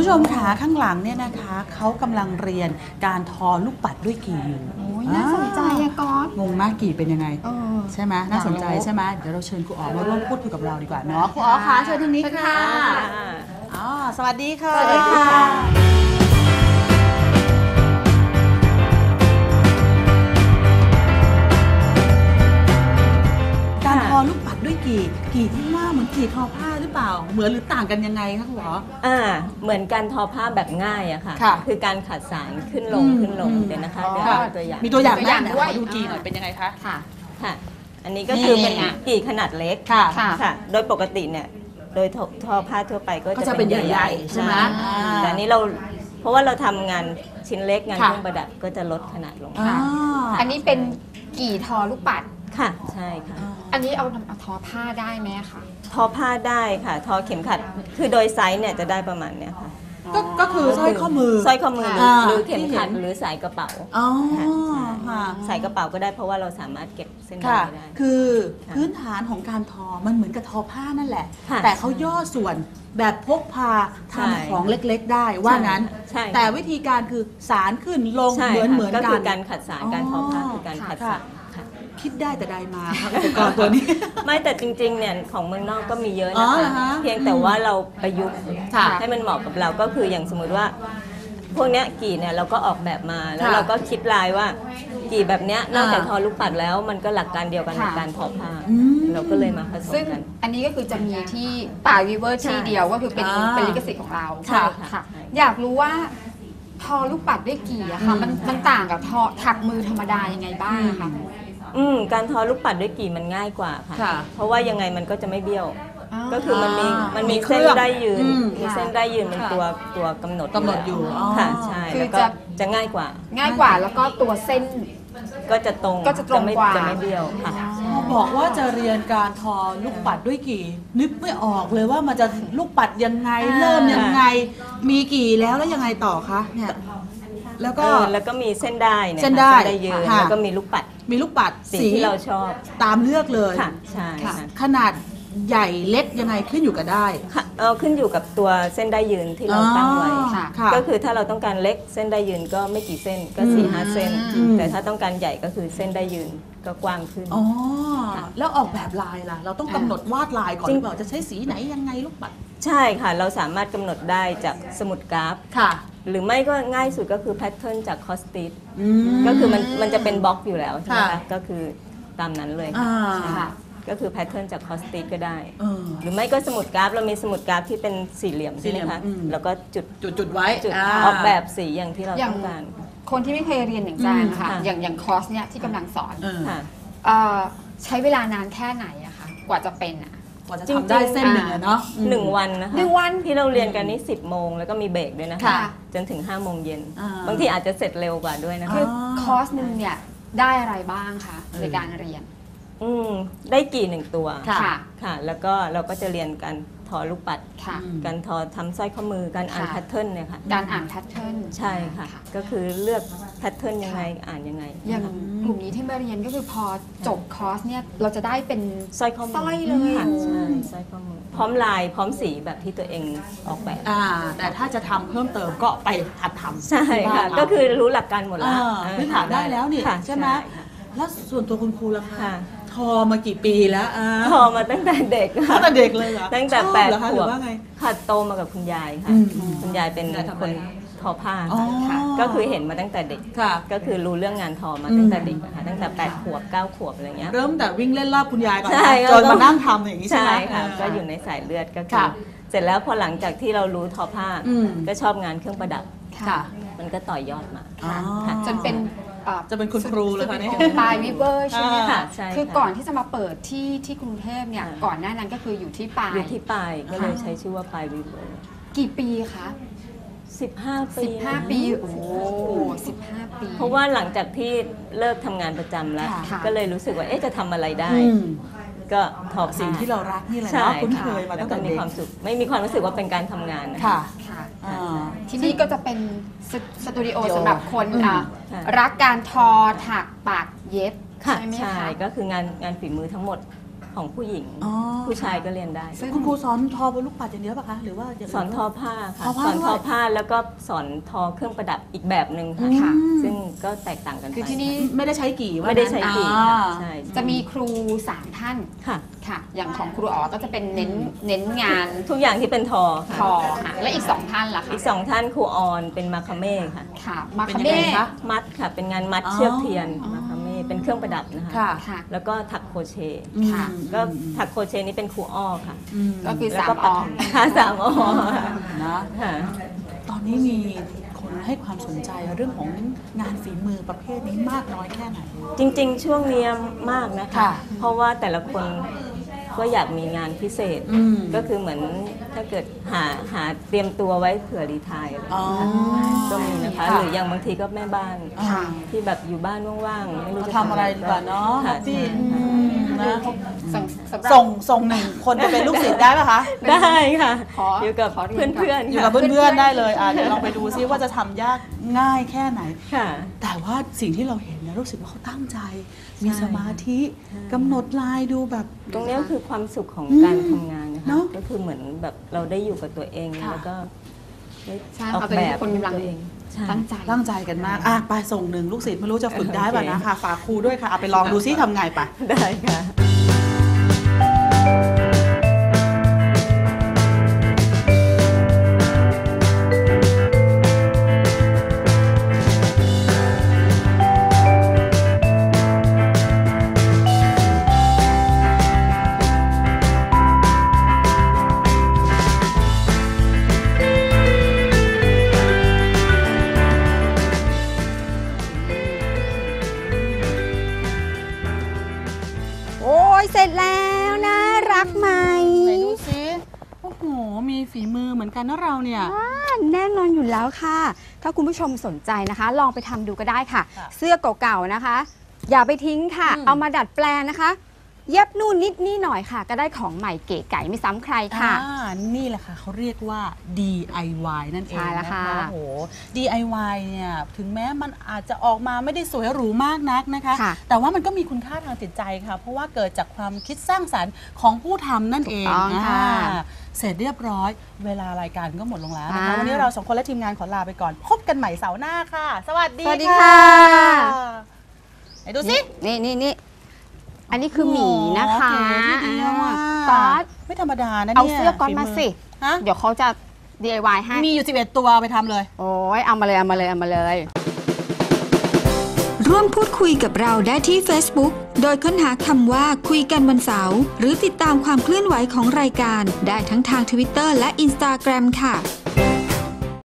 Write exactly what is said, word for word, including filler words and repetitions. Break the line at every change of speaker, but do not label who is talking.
ผู้ชมคะข้างหลังเนี่ยนะคะเขากำลังเรียนการทอลูกปัดด้วยกี่อยู่
โอ้ยน่าสนใจอะก๊อต
งงมากกี่เป็นยังไง
เออ
ใช่ไหมน่าสนใจใช่ไหมเดี๋ยวเราเชิญครูอ๋อมาร่วมพูดคุยกับเราดีกว่าเนาะครูอ๋อคะเชิญทางนี้ค่ะอ๋อสวัสดีค่ะ
สวัสดีค่ะ
การทอลูกปัดด้วยกี่กี่ที่ว่าเหมือนกี่ทอผ้าหรือเปล่าเหมือนหรือต่างกันยังไงคะครูอ๋อ
อ่าเหมือนการทอผ้าแบบง่ายอะค่ะ
ค่ะ
คือการขัดสารขึ้นลง
อืม
ขึ้นลง
อืม
เดี๋ยวนะคะ
อ๋อ
เดี๋ยวเอาตัวอย่าง
มีตัวอย่าง
ตัวอย่าง
ไหม
ด้วย
ขอดูกี่หน่อยเป็นยังไงคะ
ค่ะ
ค่ะ อันนี้ก็คือเป็น
นี่
กี่ขนาดเล็ก
ค่ะ
ค่ะ
ค่ะ โดยปกติเนี่ยโดยทอทอผ้าทั่วไปก็
ก็จะ
จะ
เป็
เป็น น
ใหญ่ๆใช่ไหมอ่า
แต่อันนี้เราเพราะว่าเราทำงานชิ้นเล็กงาน
ค่ะ
เครื่องประดับก็จะลดขนาดลง
อ่า
อันนี้เป็นกี่ทอลูกปัด
ค่ะใช่ค่ะ
อันนี้เอาเอาทอผ้าได้ไหมคะ
ทอผ้าได้ค่ะ ทอเข็มขัดคือโดยไซส์เนี่ยจะได้ประมาณเนี้ยค่ะ
ก็ก็คือสร้อยข้อมือ
สร้อยข้อมือหรือ
อ่า
หรือเข็มขัด
ที่เห็น
หรือสายกระเป๋า
อ๋อ
ค่ะ
ค่ะ
ใส่กระเป๋าก็ได้เพราะว่าเราสามารถเก็บเส้น
ค่ะ
ได้ได้
คือ
ค่ะ
พื้นฐานของการทอมันเหมือนกับทอผ้านั่นแหละ
ค่ะ
แต่เขาย่อส่วนแบบพกพา
ใช่
ทำของเล็กๆ ได้ว่างั้น
ใช่
แต่วิธีการคือสารขึ้นลง
ใช่
เหมือน
ค่ะ
เหมือน
ก็
กั
คื
น
อการขัดสารการทอผ้าคือการขัดสารค่ะ
คิดได้แต่ใดมาค่ะอุปกรณ์ตัวนี้
ไม่แต่จริงๆเนี่ยของเมืองนอกก็มีเยอะ
อ๋
นะ
อเหรอ
คะ
คะ
เพียงแต่ว่าเราประยุกต์
ค่ะ
ให้มันเหมาะกับเราก็คืออย่างสมมุติว่า พวกเนี้ยกี่เนี่ยเราก็ออกแบบมาแล้ว
ค่ะ
เราก็คิดลายว่า กี่แบบเนี้ยนอกจาก
อ่า
ทอลูกปัดแล้วมันก็หลักการเดียวกันกับ
ค่ะ
การทอผ้า
อืม
เราก็เลยมาผสม
ซึ่ง
กัน
อันนี้ก็คือจะมีที่ป่าวีเวอร์ที่เดียวก็คือเป็น
อ่า
เป็นลิขสิทธิ์ของเรา
ใช่ค่ะ
ค่ะ อยากรู้ว่าทอลูกปัดด้วยกี่อะค่ะ
อืม
มันมันต่างกับทอถักมือธรรมดายังไงบ้างอะคะ
อืมการทอลูกปัดด้วยกี่มันง่ายกว่าค่ะ
ค่ะ
เพราะว่ายังไงมันก็จะไม่เบี้ยว
อ๋อ
ก็คือมันมี
อ่ามั
มันมี
มีเครื่
เส้น
อง
ได้ยืน
อืม
มี
ค่ะ
เส้นได้ยืนเป็น
ค่ะ
ตัวตัวกำหนด
กำหนดอยู่อ๋อ
ค่ะใช่
คือ
แล้วก็
จะ
จะง่ายกว่า
ง่ายกว่าแล้วก็ตัวเส้น
ก็จะตรง
ก็จะตรง
ไม่
กว่า
จะไม่เบี้ยวค่ะ
พอบอกว่าจะเรียนการทอลูกปัดด้วยกี่ นึกไม่ออกเลยว่ามันจะลูกปัดยังไง
อ่า
เริ่มยังไง มีกี่แล้วแล้วยังไงต่อคะเนี่ยแล้วก็
เออแล้วก็มีเส้นได้เนี่ย
เส้นได้
ค่ะเส้นได้ยืน
ค่ะ
แล้วก็มีลูกปัด
มีลูกปัด
สี
สี
ที่เราชอบ
ตามเลือกเลย
ค่ะใช่
ค่ะ
ค่ะ
ขนาดใหญ่เล็กยังไงขึ้นอยู่กับได้
ค่ะเออขึ้นอยู่กับตัวเส้นได้ยืนที่เราตั้งไว้
อ๋อ
ค่ะ
ค่ะ
ก็คือถ้าเราต้องการเล็กเส้นได้ยืนก็ไม่กี่เส้นก็
อืม
สี่ห้าเส้น
อืม
แต่ถ้าต้องการใหญ่ก็คือเส้นได้ยืนก็กว้างขึ้น
อ๋อ
ค่ะ
แล้วออกแบบลายล่ะ เราต้องกำหนดวาดลายก่อนหรือเปล่าจะใช้สีไหนยังไงลูกปัด
ใช่ค่ะ เราสามารถกำหนดได้จากสมุดกราฟ
ค่ะ
หรือไม่ก็ง่ายสุดก็คือแพทเทิร์นจากคอสติส
อืม
ก็คือมันมันจะเป็นบล็อกอยู่แล้วใช่ไหม
ค่ะ
คะก็คือตามนั้นเลย
อ่า
ใช่
ค่ะ
ก็คือแพทเทิร์นจากคอสติสก็ได้
เออ
หรือไม่ก็สมุดกราฟเรามีสมุดกราฟที่เป็นสี่เหลี่ยม
สี่
ใช่
เหลี่
ไหม
ยม
คะ
อืม
แล้วก็จุด
จุดจุดไว้
จุด
า
ออกแบบสีอย่างที่เรา
อย่าง
ต้องการ
คนที่ไม่เคยเรียนอย่างแจงนะคะ
อืมค่ะ
อย่างอย่างคอร์สเนี่ยที่กำลังสอน
เออ
ค่ะ
เอ่อใช้เวลานานแค่ไหนอะคะกว่าจะเป็นอะ
กว่าจะ
จริง
ทำ
ๆ
ได้เส้นหนึ่งอะเนาะอืม
หนึ่งวันนะคะ
หนึ่งวัน
ที่เราเรียนกันนี่สิบโมงแล้วก็มีเบรกด้วยนะคะ
ค่ะ
จนถึงห้าโมงเย็น
อ่า
บางทีอาจจะเสร็จเร็วกว่าด้วยนะ
คื
คะ
อคอร์สหนึ่งเนี่ยได้อะไรบ้างคะในการเรียน
อืมได้กี่หนึ่งตัว
ค่ะ
ค่ะ
ค่ะ แล้วก็เราก็จะเรียนการทอลูกปัด
ค่ะ
อืม
การทอทำสร้อยข้อมือการอ่าน
ค่ะ
แพทเทิร์นเนี่ยค่ะ
การอ่านแพทเทิร์น
ใช่ค่ะ ก็คือเลือกแพทเทิร์นยังไงอ่านยังไง
อย่างกลุ่มนี้ที่มาเรียนก็คือพอจบคอร์สเนี่ยเราจะได้เป็น
สร้อยข้อมื
สร้อยเลย
ค่ะใช่สร้อยข้อมือพร้อมลายพร้อมสีแบบที่ตัวเองออกแบบ
อ่า แต่ถ้าจะทำเพิ่มเติมก็ไปหัดทำ
ใช่
ที่บ้า
ค่ะ
นเรา
ก็คือรู้หลักการหมดแล้ว
อ่าพื้นฐานได้แล้วนี่
ค่ะ
ใช่ไหม
ค่ะ
แล้วส่วนตัวคุณครูล่ะคะ
ค่ะ
ทอมากี่ปีแล้วอ่า
ทอมาตั้งแต่เด็ก
ตั้
ค่ะ
งแต่เด็กเลยเหรอ
ตั้งแต่
ชอบ
แปด
เหรอคะ
ข
หรื
วบ
อว่าไง
ค่ะโตมากับคุณยายค่ะ
อืม
คุณยายเป็น
ยายทำ
ค
อะไร
นทอผ้า
อ๋อ
ค่ะก็คือเห็นมาตั้งแต่เด็ก
ค่ะ
ก็คือรู้เรื่องงานทอมา
อืม
ตั้งแต่เด็กนะคะตั้งแต่แปดขวบเก้าขวบอะไรเงี้ย
เริ่มแต่วิ่งเล่นรอบคุณยายก่อน
ใช่
นะ
ก็
จนมานั่งทำอย่างนี้ใช่ไหม
ใช่ค่ะ
า
ก็อยู่ในสายเลือดก็คื
ค่ะ
อเสร็จแล้วพอหลังจากที่เรารู้ทอผ้า
อืม
ก็ชอบงานเครื่องประดับ
ค่ะ
มันก็ต่อยอดมา
อ๋อ
ค่ะ
จนเป็นอ่อ
จะเป็นคุณครูเลยค่ะเนี่ย
ปลายวิเวอร์ใช่ไหม
อ่า
คะ
ใช่ค่ะ
คือก่อนที่จะมาเปิดที่ที่กรุงเทพเนี่ย
ค่ะ
ก่อนหน้านั้นก็คืออยู่ที่ปลาย
อยู่ที่ปลายก็เลยใช้ชื่อว่าปลายวิเวอร์
กี่ปีคะ
สิบห้าปี
สิบห้าปี โอ้สิบห้าปี
เพราะว่าหลังจากที่เลิกทำงานประจำแล้ว
ค่ะ
ก็เลยรู้สึกว่าเอ๊ะจะทำอะไรได้
อืม
ก็ทอผ้า
สิ่งที่เรารักนี่แหละ
ใช่
เนาะคุ้นเค
ค่ะ
ยมา
แล้
ตั้
ว
ง
ก็
แต่
มี
เด็ก
ความสุขไม่มีความรู้สึกว่าเป็นการทำงานนะ
ค่ะ
ค่ะ
อ่า
ที่นี่ก็จะเป็นสสตูดิโอ
สตูดิโอ
สำหรับคน
อืม
อ่ะ
ค่ะ
รักการทอถักปากเย็บ
ค่ะ
ใช่ไหม
ใช่
คะ
ก็คืองานงานฝีมือทั้งหมดของผู้หญิง
อ๋อ
ผู้ชายก็เรียนได้
คุณครูสอนทอบนลูกปัดอย่างเดียวป่ะคะหรือว่าอย่าง
สอนทอผ้าค่ะ
ทอผ้า
สอนทอ
ด้วย
ผ้าแล้วก็สอนทอเครื่องประดับอีกแบบหนึ่งค่ะ
ค่ะ
ซึ่งก็แตกต่างกันไป
คือที่นี่
ไม่ได้ใช้กี่ว่า
ไม่ได้ใช้กี่
อ่า
ค่ะใช่
จะมีครูสามท่าน
ค่ะ
ค่ะ อย่างของครูอ๋อก็จะเป็นเน้นเน้นงาน
ทุกอย่างที่เป็นทอ
ท
ค่ะ
อค่ะและอีกสองท่านล่ะคะ
อีกสองท่านครูออนเป็นมาคาเม่ค่ะ
ค่ะมา
เป็น
คา
ยัง
เม่
ไงคะ
มัดค่ะเป็นงานมัด
อ๋อ
เชือกเทียนมาคาเม่เป็นเครื่องประดับนะคะ
ค่ะ
ค่ะ
แล้วก็ถักโครเชต์
ค่ะ
ก็ถักโครเชต์นี่เป็นครูอ้อค่ะ
อืม
ก็คือ
แล้ว
สาม
ก็
อ
ปักค่ะสามอ้อ
นะ
ค่ะ
ตอนนี้มีคนให้ความสนใจเรื่องของงานฝีมือประเภทนี้มากน้อยแค่ไหน
จริงๆ ช่วงเนี้ยมากนะคะ
ค่ะ
เพราะว่าแต่ละคนก็อยากมีงานพิเศษ
อืม
ก็คือเหมือนถ้าเกิดหาหาเตรียมตัวไว้เผื่อรีไทายอะไรอย่างเงี้ย
อ๋อ
ก็มีนะคะ
ค่ะ
หรืออย่างบางทีก็แม่บ้าน
ค่ะ
ที่แบบอยู่บ้านว่างๆ ไม่รู้จะ
ทำอะไรดีกว่าเนาะ
ค่ะ
พี่
ใช่
อืมนะ
ส่งสำหรับ
ส่งส่งหนึ่งคนไปเป็นลูกศิษย์ได้ป่ะคะ
ได้ค่ะ
ขอ
อยู่กับ
ขอเรี
เพื่
ย
อน น
ก่อน
เพื่อน
อยู่กับเพื่อนๆได้เลยอ่ะเดี๋ยวลองไปดูซิว่าจะทำยากง่ายแค่ไหน
ค่ะ
แต่ว่าสิ่งที่เราเห็นเนี่ยรู้สึกว่าเขาตั้งใจ มี
ใช่
สมาธิกำหนดลายดูแบบ
ตรงเนี้ยคือความสุขของ
อืม
การทำงานนะ
เน
คะ
อะ
ก็คือเหมือนแบบเราได้อยู่กับตัวเอง
ค่ะ
แล้วก็ได้
ใช่
ออก
เขาเป็น
แบบ
คนกำลัง
ตัวเองใช่
ตั้งใจ
ตั้งใจกันมากอ่ะไปส่งหนึ่งลูกศิษย์ไม่รู้จะฝึกได้ป่ะนะ
โอเค
ค่ะฝากครูด้วยค่ะเอาไปลองดูซิทำไงไป
ได้ค่ะ
โอ้ยเสร็จแล้วนะรักไหม
ไหนดูซิโอ้โหมีฝีมือเหมือนกันนะเราเนี่ย
อ่าแน่นอนอยู่แล้วค่ะ ถ้าคุณผู้ชมสนใจนะคะ ลองไปทำดูก็ได้ค่ะ
ค่ะ
เสื้อเก่าๆนะคะ อย่าไปทิ้งค่ะ
อืม
เอามาดัดแปลงนะคะ เย็บนู่นนิดนี่หน่อยค่ะ ก็ได้ของใหม่เก๋ไก๋ไม่ซ้ำใครค่ะ
อ่านี่แหละค่ะเขาเรียกว่า ดี ไอ วาย นั่นเอง
ใช่แล้ว
นะ
ค่ะ
คะโอ้โห ดี ไอ วาย เนี่ยถึงแม้มันอาจจะออกมาไม่ได้สวยหรูมากนักนะคะ
ค่ะ
แต่ว่ามันก็มีคุณค่าทางจิตใจค่ะ เพราะว่าเกิดจากความคิดสร้างสรรค์ของผู้ทำนั่นเอง
ถูกต้องค่ะ
อ่าเสร็จเรียบร้อย เวลารายการก็หมดลงแล้วนะคะ
อ่า
วันนี้เราสองคนและทีมงานขอลาไปก่อน พบกันใหม่เสาร์หน้าค่ะ สวัสดี
สวัสดีค่ะ
ไหนดูสิ
นี่นี่นี่อันนี้คือหมีนะคะ
โอ้โหเก๋ทีเดียวอะ
ก๊อต
ไม่ธรรมดานะ
เอา
เนี่ย
เสื้อก๊อตมาสิ
ฮะ
เดี๋ยวเขาจะ ดี ไอ วาย ให้
มีอยู่สิบเอ็ดตัวเอาไปทำเลย
โอ้ยเอามาเลยเอามาเลยเอามาเลย
ร่วมพูดคุยกับเราได้ที่ Facebook โดยค้นหาคำว่าคุยกันวันเสาร์หรือติดตามความเคลื่อนไหวของรายการได้ทั้งทาง Twitter และ Instagram ค่ะ